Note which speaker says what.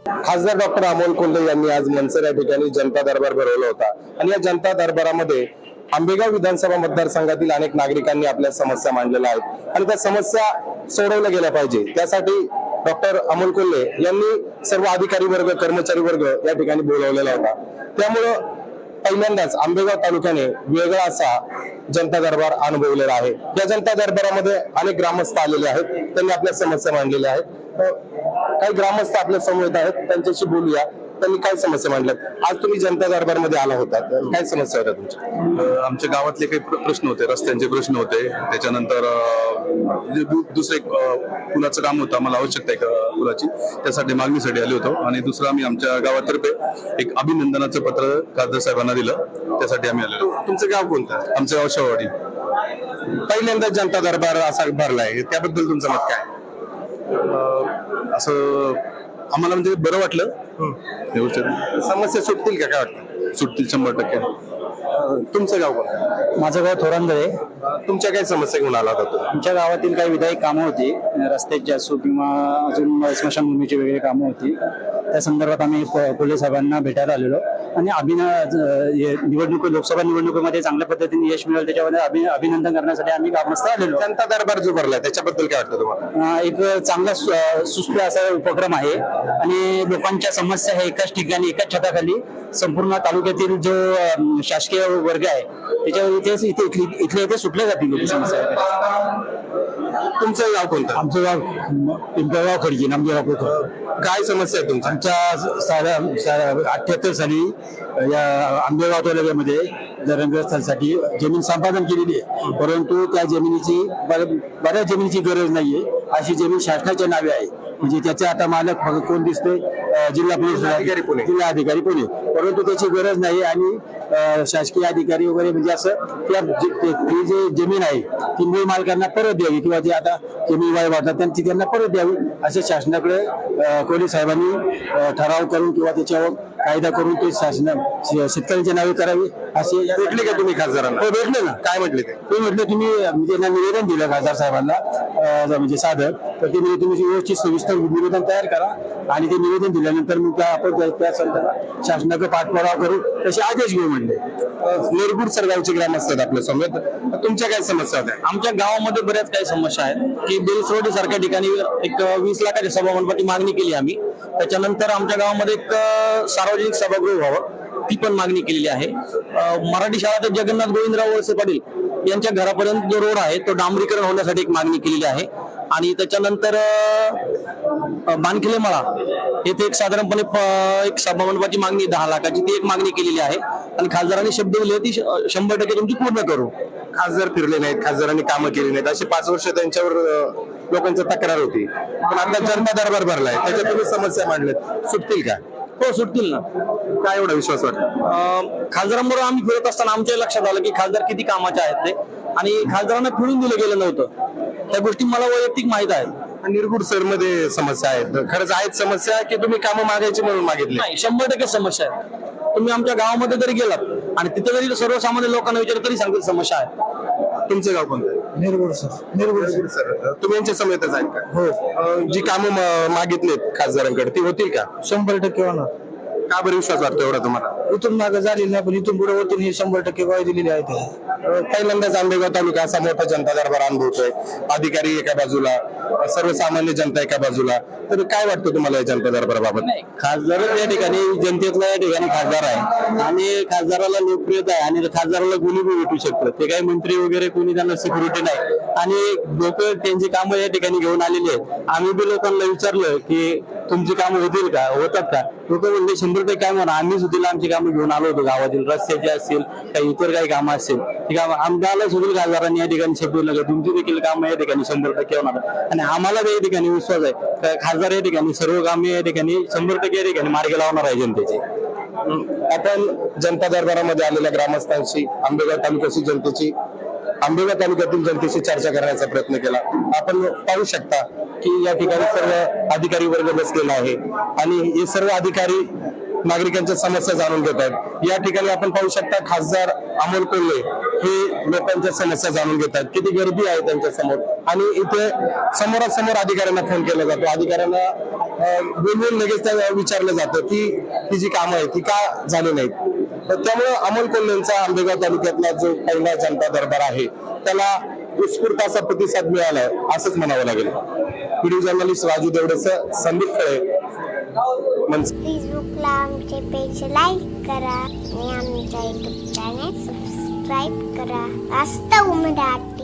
Speaker 1: खासदार डॉक्टर अमोल कोल्हे यांनी आज मनसर या ठिकाणी जनता दरबार भरवला होता आणि या जनता दरबारामध्ये आंबेगाव विधानसभा मतदारसंघातील अनेक नागरिकांनी आपल्या समस्या मांडलेल्या आहेत आणि त्या समस्या सोडवल्या गेल्या पाहिजे त्यासाठी डॉक्टर अमोल कोल्हे यांनी सर्व अधिकारी वर्ग कर्मचारी वर्ग या ठिकाणी बोलावलेला होता। त्यामुळं पहिल्यांदाच आंबेगाव तालुक्याने वेगळा असा जनता दरबार अनुभवलेला आहे। या जनता दरबारामध्ये अनेक ग्रामस्थ आलेले आहेत, त्यांनी आपल्या समस्या मांडलेल्या आहेत। काही ग्रामस्थ आपल्या समोर आहेत, त्यांच्याशी बोलूया। त्यांनी काय समस्या मांडल्यात? आज तुम्ही जनता दरबार मध्ये आला होता, काय समस्या होत्या तुमच्या?
Speaker 2: आमच्या गावातले काही प्रश्न होते, रस्त्यांचे प्रश्न होते, त्याच्यानंतर दुसरे पुलाचं काम होतं, आम्हाला आवश्यकता आहे पुलाची, त्यासाठी मागणीसाठी आले होतो। आणि दुसरं आम्ही आमच्या गावातर्फे एक अभिनंदनाचं पत्र खासदार साहेबांना दिलं, त्यासाठी आम्ही आलेलो।
Speaker 1: तुमचं गाव कोणतं?
Speaker 2: आमचं गाव शेवाडी।
Speaker 1: पहिल्यांदा जनता दरबार असा भरलाय, त्याबद्दल तुमचं मत काय?
Speaker 2: असं आम्हाला म्हणजे बरं वाटलं।
Speaker 1: समस्या सुटतील का, काय वाटतं?
Speaker 2: सुटतील 100%।
Speaker 1: तुमचं गाव कोणतं?
Speaker 3: माझं गाव थोरांदळे।
Speaker 1: तुमच्या काय समस्या घेऊन आला होता?
Speaker 3: आमच्या गावातील काही विधायक कामं होती, रस्त्याची असो किंवा अजून स्मशानभूमीची वेगळी कामं होती, त्या संदर्भात आम्ही कोल्हे साहेबांना भेटायला आलेलो आणि लोकसभा निवडणुकीमध्ये चांगल्या पद्धतीने यश मिळालं त्याच्यामध्ये अभिनंदन करण्यासाठी आम्ही ग्रामस्थ आलेलो।
Speaker 1: जनता दरबार जो भरलाय त्याच्याबद्दल काय वाटतं तुम्हाला?
Speaker 3: एक चांगला सुस्थ असा उपक्रम आहे आणि लोकांच्या समस्या हे एकाच ठिकाणी एकाच छताखाली संपूर्ण तालुक्यातील जो शासकीय वर्ग आहे त्याच्यावर इथले इथे सुटल्या जातील समस्या।
Speaker 1: तुमचं गाव कोणतं?
Speaker 3: आमचं गाव पिंपळगाव खडकी, नामदेव।
Speaker 1: काय समस्या आहे तुमच्या?
Speaker 3: आमच्या 78 साली या आंबेगाव तालुक्यामध्ये धरणग्रस्तांसाठी जमीन संपादन केलेली आहे, परंतु त्या जमिनीची बऱ्याच जमिनीची गरज नाहीये, अशी जमीन शासनाच्या नावे आहे। म्हणजे त्याचे आता मालक कोण दिसतोय? जिल्हा पोलीस अधिकारी पुणे, जिल्हा अधिकारी पुणे, परंतु त्याची गरज नाही आणि शासकीय अधिकारी वगैरे म्हणजे असं ती जी जमीन आहे ती मूळ मालकांना परत द्यावी किंवा जे आता जमीन वाढतात त्यांना परत द्यावी असे शासनाकडे कोल्हे साहेबांनी ठराव करून किंवा त्याच्यावर कायदा करून ते शेतकऱ्यांच्या नावे करावी असे।
Speaker 1: भेटले का तुम्ही खासदारांना?
Speaker 3: हो भेटले ना।
Speaker 1: काय म्हटले
Speaker 3: ते म्हटलं तुम्ही त्यांना निवेदन दिलं खासदार साहेबांना म्हणजे साधं, तर ते म्हणजे तुम्ही व्यवस्थित सविस्तर निवेदन तयार करा आणि ते निवेदन दिल्यानंतर मग आपण त्या संदर्भात शासनाकडे पाठपुरावा करू तसे आदेश घेऊ म्हणले।
Speaker 1: निरगुड सरगावचे ग्रामस्थ आहेत आपल्या समोर, तुमच्या काय समस्या होत्या?
Speaker 3: आमच्या गावामध्ये बऱ्याच काही समस्या आहेत की बेलसरोडी सारख्या ठिकाणी एक 20 लाखाची सभामंडपाची मागणी केली आम्ही। त्याच्यानंतर आमच्या गावामध्ये एक सार्वजनिक सभागृह व्हावं ती पण मागणी केलेली आहे। मराठी शाळा ते जगन्नाथ गोविंदराव वळसे पाटील यांच्या घरापर्यंत जो रोड आहे तो डांबरीकरण होण्यासाठी एक मागणी केलेली आहे। आणि त्याच्यानंतर बानखिले मळा येथे एक साधारणपणे एक सभामंडपाची मागणी 10 लाखाची ती एक मागणी केलेली आहे आणि खासदारांनी शब्द दिले ती 100% तुमची पूर्ण करू।
Speaker 1: खासदार फिरले नाहीत, खासदारांनी कामं केली नाहीत, अशी 5 वर्ष त्यांच्यावर लोकांची तक्रार होती, पण आता जनता दरबार भरलाय त्याच्यात तुम्ही समस्या मांडल्यात, सुटतील का?
Speaker 3: हो सुटतील ना।
Speaker 1: काय एवढा विश्वास वाटतो?
Speaker 3: खासदारांबरोबर आम्ही फिरत असताना आमच्या लक्षात आलं की खासदार किती कामाचे आहेत ते, आणि खासदारांना फिरून दिलं गेलं नव्हतं, त्या गोष्टी मला वैयक्तिक माहित आहेत।
Speaker 1: निरगुड सर मध्ये समस्या आहेत, खरंच आहेत समस्या की तुम्ही कामं मागायची म्हणून मागितली?
Speaker 3: नाही, 100% समस्या आहे। तुम्ही आमच्या गावामध्ये जरी गेलात आणि तिथे जरी सर्वसामान्य लोकांना विचारलं तरी सांगतील समस्या आहे।
Speaker 1: तुमचं गाव कोणतं?
Speaker 3: निरगुड सर।
Speaker 1: निरगुड सर, तुम्ही यांच्या समेतच आहेत का?
Speaker 3: हो।
Speaker 1: जी कामं मागितलीत खासदारांकडे ती होतील का?
Speaker 3: 100% होणार।
Speaker 1: का बरं विश्वास वाटतो एवढा तुम्हाला?
Speaker 3: इथून मागे झालेली नाही, पण इथून पुढे होतील ही 100% ग्वाही दिलेली आहे।
Speaker 1: पहिल्यांदाच आंबेगाव तालुका असा मोठा जनता दरबार अनुभवतोय, अधिकारी एका बाजूला, सर्वसामान्य जनता एका बाजूला, तर काय वाटतं तुम्हाला या जनता दरबाराबाबत?
Speaker 3: नाही, खासदारच या ठिकाणी जनतेतला या ठिकाणी खासदार आहे आणि खासदाराला लोकप्रियता आहे आणि खासदाराला कोणी बी भेटू शकतं, ते काही मंत्री वगैरे कोणी त्यांना सिक्युरिटी नाही आणि लोक त्यांची कामं या ठिकाणी घेऊन आलेली आहेत। आम्ही बी लोकांना विचारलं की तुमची कामं होतील का, होतात का? लोक म्हणजे 100% काय म्हणा, आम्ही सुद्धा आमची कामं घेऊन आलो होतो गावातील, रस्त्याची असतील काही इतर काही कामं असतील, ठीक आहे, आमदारला सुद्धा खासदारांनी या ठिकाणी शब्द दिला तुमची देखील कामं या ठिकाणी 100% होणार आणि आम्हाला या ठिकाणी विश्वास आहे खासदार या ठिकाणी सर्व कामे या ठिकाणी 100% या ठिकाणी मार्गी लावणार आहे जनतेची।
Speaker 1: आपण जनता दरबारामध्ये आलेल्या ग्रामस्थांशी, आंबेगाव तालुक्याची जनतेची, आंबेगाव तालुक्यातील जनतेशी चर्चा करण्याचा प्रयत्न केला। आपण पाहू शकता की या ठिकाणी सर्व अधिकारी वर्ग बसलेला आहे आणि हे सर्व अधिकारी नागरिकांच्या समस्या जाणून घेत आहेत। या ठिकाणी आपण पाहू शकता खासदार अमोल कोल्हे हे लोकांच्या समस्या जाणून घेतात, किती गर्दी आहे त्यांच्या समोर, आणि इथे समोरासमोर अधिकाऱ्यांना फोन केला जातो. अधिकाऱ्यांना बोलवून लगेच विचारलं जातं की ही जी कामं आहेत ती का झाली नाहीत. तर त्यामुळे अमोल कोल्हेंचा आंबेगाव तालुक्यातला जो पहिला जनता दरबार आहे त्याला उत्स्फूर्त असा प्रतिसाद मिळालाय असंच म्हणावं लागेल. व्हिडिओ जर्नलिस्ट राजू देवडेसह संदीप खळे,
Speaker 4: फेसबुकला आमचे पेज लाईक करा आणि आमच्या युट्यूब चॅनेल सबस्क्राईब करा. वास्तव मराठी.